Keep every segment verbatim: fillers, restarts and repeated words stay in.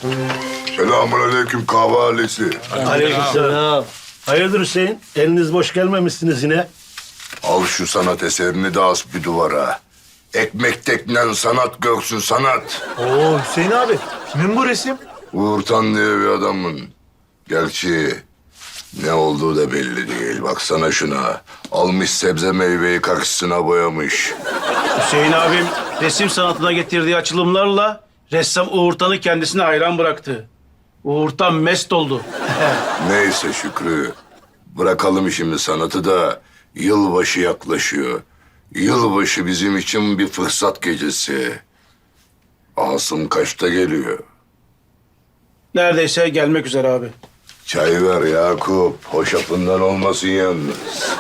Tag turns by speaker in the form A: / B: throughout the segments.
A: Selamünaleyküm kahve ailesi.
B: Aleykümselam. Hayırdır Hüseyin? Eliniz boş gelmemişsiniz yine.
A: Al şu sanat eserini de as bir duvara. Ekmek teknen sanat görsün sanat.
C: Oo Hüseyin abi, kimin bu resim?
A: Uğur Tan diye bir adamın. Gerçi ne olduğu da belli değil. Baksana şuna. Almış sebze meyveyi karşısına boyamış.
D: Hüseyin abim resim sanatına getirdiği açılımlarla ressam Uğur Tan'ı kendisine hayran bıraktı. Uğur Tan mest oldu.
A: Neyse Şükrü. Bırakalım işimi sanatı da yılbaşı yaklaşıyor. Yılbaşı bizim için bir fırsat gecesi. Asım kaçta geliyor?
D: Neredeyse gelmek üzere abi.
A: Çay ver Yakup. Hoşafından olmasın yalnız.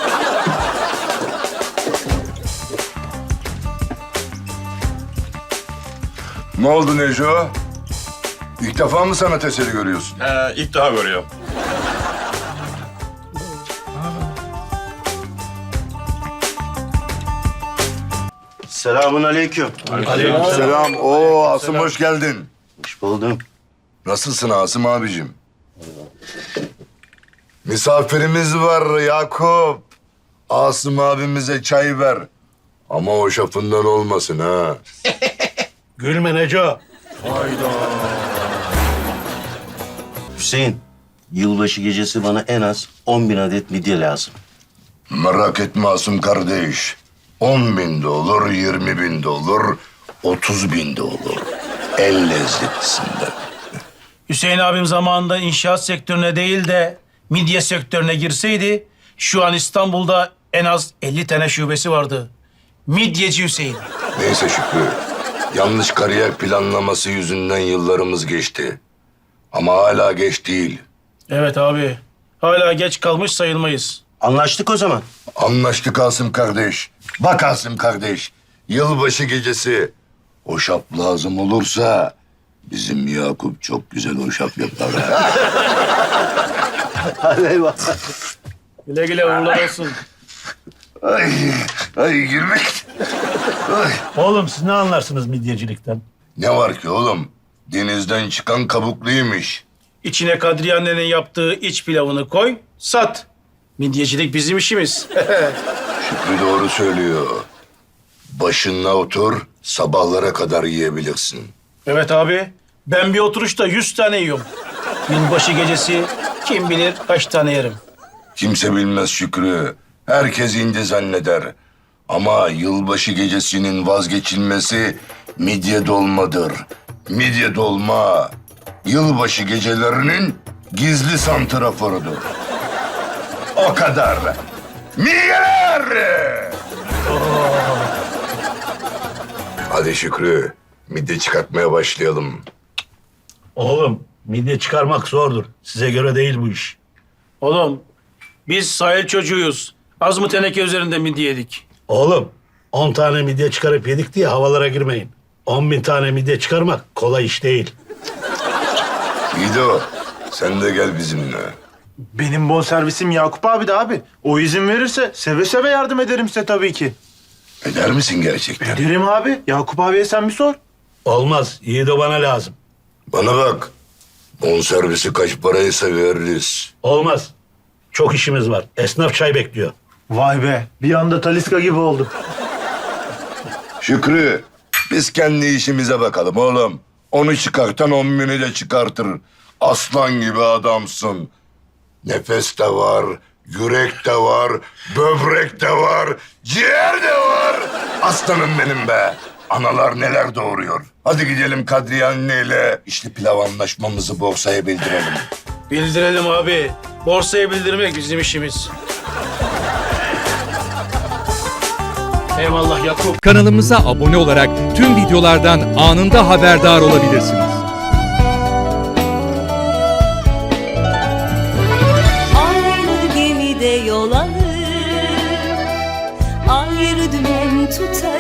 A: Ne oldu Neco? İlk defa mı sanat eseri görüyorsun?
E: He, ilk daha görüyorum.
F: Selamun aleyküm.
A: Selam. Oo Asım hoş geldin.
F: Hoş buldum.
A: Nasılsın Asım abicim? Misafirimiz var Yakup. Asım abimize çay ver. Ama o şapından olmasın ha.
B: Gülme Neco.
F: Hüseyin, yılbaşı gecesi bana en az on bin adet midye lazım.
A: Merak etme Asım kardeş. On bin de olur, yirmi bin de olur, otuz bin de olur. El lezzetisinden.
D: Hüseyin abim zamanında inşaat sektörüne değil de midye sektörüne girseydi şu an İstanbul'da en az elli tane şubesi vardı. Midyeci Hüseyin.
A: Neyse Şükrü. Yanlış kariyer planlaması yüzünden yıllarımız geçti. Ama hala geç değil.
D: Evet abi. Hala geç kalmış sayılmayız.
F: Anlaştık o zaman.
A: Anlaştık Asım kardeş. Bak Asım kardeş. Yılbaşı gecesi hoşaf lazım olursa bizim Yakup çok güzel hoşaf yapar. ha.
F: Hadi eyvallah.
D: Güle güle uğurlar olsun.
A: ay, ay girmek. Ay.
B: Oğlum siz ne anlarsınız midyecilikten?
A: Ne var ki oğlum? Denizden çıkan kabukluymuş.
D: İçine Kadriye annenin yaptığı iç pilavını koy, sat. Midyecilik bizim işimiz.
A: Şükrü doğru söylüyor. Başına otur, sabahlara kadar yiyebilirsin.
D: Evet abi. Ben bir oturuşta yüz tane yiyorum. Yılbaşı gecesi kim bilir kaç tane yerim.
A: Kimse bilmez Şükrü. Herkes indi zanneder. Ama yılbaşı gecesinin vazgeçilmesi midye dolmadır. Midye dolma, yılbaşı gecelerinin gizli santraforudur. O kadar. Midyeler! Hadi Şükrü, midye çıkartmaya başlayalım.
B: Oğlum midye çıkarmak zordur. Size göre değil bu iş.
D: Oğlum biz sahil çocuğuyuz. Az mı teneke üzerinde midye yedik?
B: Oğlum on tane midye çıkarıp yedik diye havalara girmeyin. On bin tane midye çıkarmak kolay iş değil.
A: İdo, sen de gel bizimle.
C: Benim bonservisim Yakup abi de abi. O izin verirse seve seve yardım ederim size tabii ki.
A: Eder misin gerçekten?
C: Ederim abi. Yakup abiye sen bir sor.
B: Olmaz. Yiğido bana lazım.
A: Bana bak, bonservisi kaç paraysa veririz.
B: Olmaz. Çok işimiz var. Esnaf çay bekliyor.
C: Vay be. Bir anda Taliska gibi oldum.
A: Şükrü, biz kendi işimize bakalım oğlum. Onu çıkartan on bini de çıkartır. Aslan gibi adamsın. Nefes de var, yürek de var, böbrek de var, ciğer de var. Aslanım benim be. Analar neler doğuruyor. Hadi gidelim Kadriye anneyle içli pilav anlaşmamızı borsaya bildirelim.
D: Bildirelim abi. Borsaya bildirmek bizim işimiz. Eyvallah Yakup.
G: Kanalımıza abone olarak tüm videolardan anında haberdar olabilirsiniz.
H: Aynı gemide yol alır, ayrı dümen tutar.